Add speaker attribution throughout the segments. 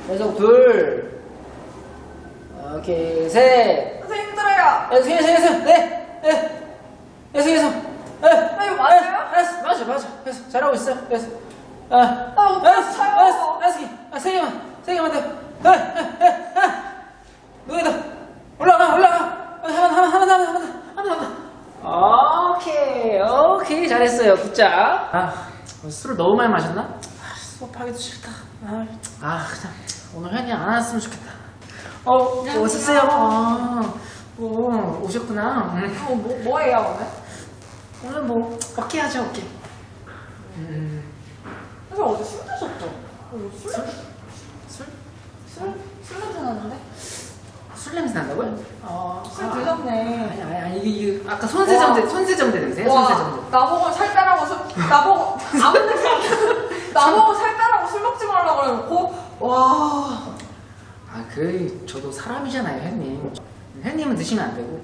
Speaker 1: 계속 둘. 오케이, 셋.
Speaker 2: 선생님 힘들어요.
Speaker 1: 계속. 네. 계속.
Speaker 2: 이거 맞아요?
Speaker 1: 맞아. 계속 잘하고 있어. 계속.
Speaker 2: 어떡해요?
Speaker 1: 세 개만 더. 여기다. 올라가. 하나. 오케이. 잘했어요. 굿자. 술을 너무 많이 마셨나? 수업하기도 싫다. 그냥 오늘 현이 안 왔으면 좋겠다. 오셨어요? 오셨구나.
Speaker 2: 뭐예요 오늘?
Speaker 1: 오늘 어깨 하죠, 어깨.
Speaker 2: 선생님 어제 술 드셨죠? 술 냄새 나는데?
Speaker 1: 술 냄새 난다고요?
Speaker 2: 술 드셨네.
Speaker 1: 아니, 이게 아까 손세정대 냄새요? 손세정대.
Speaker 2: 나보고 살 빼라고 나보고 아무 냄새 안 나. 나보고 살 빼라고 술 먹지 말라고 그래놓고 와.
Speaker 1: 저도 사람이잖아요, 형님. 형님은 드시면 안 되고.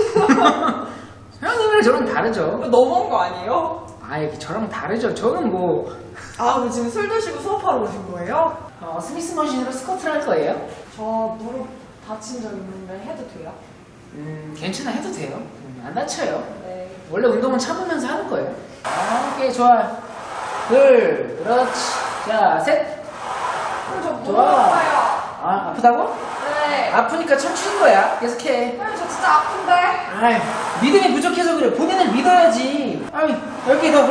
Speaker 1: 형님이랑 저랑 다르죠.
Speaker 2: 너무한 거 아니에요?
Speaker 1: 저랑 다르죠. 저는
Speaker 2: 근데 지금 술 드시고 수업하러 오신 거예요?
Speaker 1: 스미스 머신으로 스쿼트를 할 거예요.
Speaker 2: 저 무릎 다친 적 있는데 해도 돼요?
Speaker 1: 괜찮아, 해도 돼요. 안 다쳐요.
Speaker 2: 네.
Speaker 1: 원래 운동은 참으면서 하는 거예요. 오케이, 좋아요. 둘, 그렇지. 자, 셋.
Speaker 2: 저 무릎
Speaker 1: 좋아.
Speaker 2: 아파요.
Speaker 1: 아프다고?
Speaker 2: 네.
Speaker 1: 아프니까 춤추는 거야. 계속해.
Speaker 2: 저 진짜 아픈데.
Speaker 1: 믿음이 부족해서 그래. 본인을 믿어야지. 10개 더.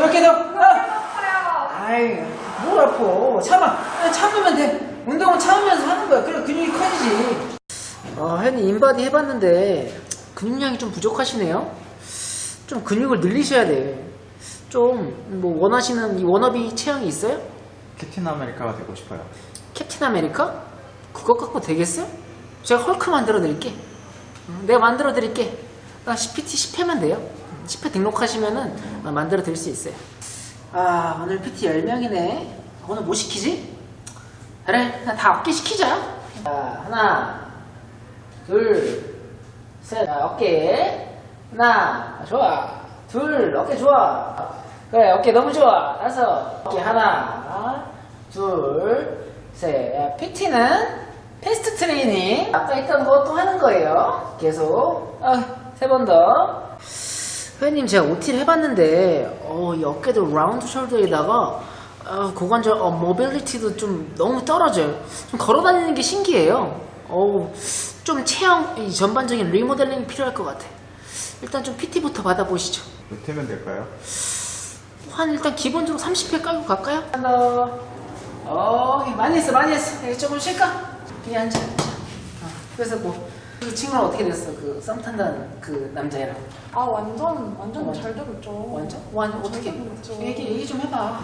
Speaker 2: 아파요.
Speaker 1: 뭘 아파. 참으면 돼. 운동은 참으면서 하는 거야. 그래, 근육이 커지지. 혜니 인바디 해봤는데 근육량이 좀 부족하시네요. 좀 근육을 늘리셔야 돼. 좀 원하시는 이 워너비 체형이 있어요?
Speaker 3: 캡틴 아메리카가 되고 싶어요.
Speaker 1: 캡틴 아메리카? 그거 갖고 되겠어요? 제가 헐크 만들어 드릴게. 내가 만들어 드릴게. 나 PT 10회만 돼요. 10회 등록하시면은 만들어 드릴 수 있어요. 오늘 PT 10명이네. 오늘 뭐 시키지? 그래, 다 어깨 시키자. 하나, 둘, 셋. 어깨. 하나, 좋아. 둘, 어깨 좋아. 그래, 어깨 너무 좋아. 5. 어깨 하나, 둘, 셋. PT는 패스트 트레이닝. 아까 했던 거 또 하는 거예요. 계속. 3번 더. 회원님, 제가 OT를 해봤는데, 이 어깨도 라운드 숄더에다가, 고관절, 모빌리티도 좀 너무 떨어져요. 좀 걸어다니는 게 신기해요. 좀 체형, 이 전반적인 리모델링이 필요할 것 같아. 일단 좀 PT부터 받아보시죠.
Speaker 3: 몇 회면 될까요?
Speaker 1: 일단 기본적으로 30회 깔고 갈까요? 하나 더. 많이 했어. 여기 조금 쉴까? 여기 앉아. 그래서 그 친구랑 어떻게 됐어? 그 썸 탄다는 그 남자애랑.
Speaker 2: 완전 잘 되고 있죠.
Speaker 1: 완전 어떻게?
Speaker 2: 되고 있죠.
Speaker 1: 얘기 좀 해봐.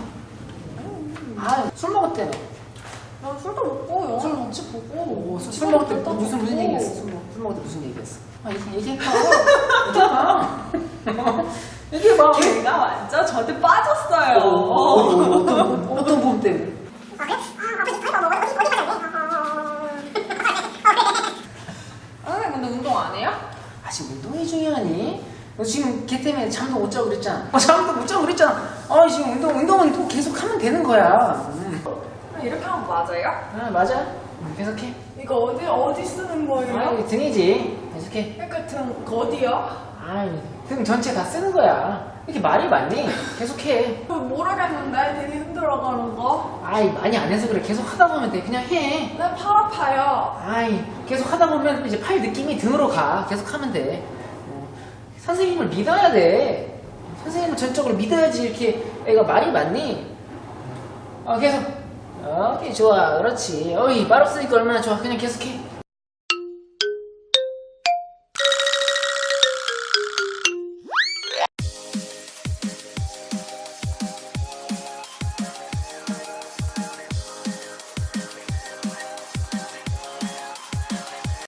Speaker 1: 술 먹었대 너.
Speaker 2: 난 술도 먹고 영화도 같이 보고.
Speaker 1: 술 먹을 때 무슨 얘기했어? 술 먹을 때 무슨 얘기했어? 얘기해봐.
Speaker 2: 걔가 완전 저한테 빠졌어요.
Speaker 1: 어떤 부분 때문에?
Speaker 2: 선생님 근데 운동 안 해요?
Speaker 1: 지금 운동이 중요하니? 너 지금 걔 때문에 잠도 못 자고 그랬잖아. 잠도 못 자고 그랬잖아. 지금 운동은 또 계속 하면 되는 거야.
Speaker 2: 이렇게 하면 맞아요?
Speaker 1: 맞아. 계속해.
Speaker 2: 이거 어디 쓰는 거예요?
Speaker 1: 등이지. 계속해.
Speaker 2: 그러니까 등 어디요?
Speaker 1: 등 전체 다 쓰는 거야. 이렇게 말이 많니? 계속해.
Speaker 2: 모르겠는데 되게 힘들어가는 거.
Speaker 1: 많이 안 해서 그래. 계속 하다 보면 돼. 그냥 해.
Speaker 2: 난 팔 아파요.
Speaker 1: 계속 하다 보면 이제 팔 느낌이 등으로 가. 계속 하면 돼. 선생님을 믿어야 돼. 선생님을 전적으로 믿어야지 이렇게 애가 말이 많니? 계속. 오케이, 좋아. 그렇지. 말 없으니까 얼마나 좋아. 그냥 계속해.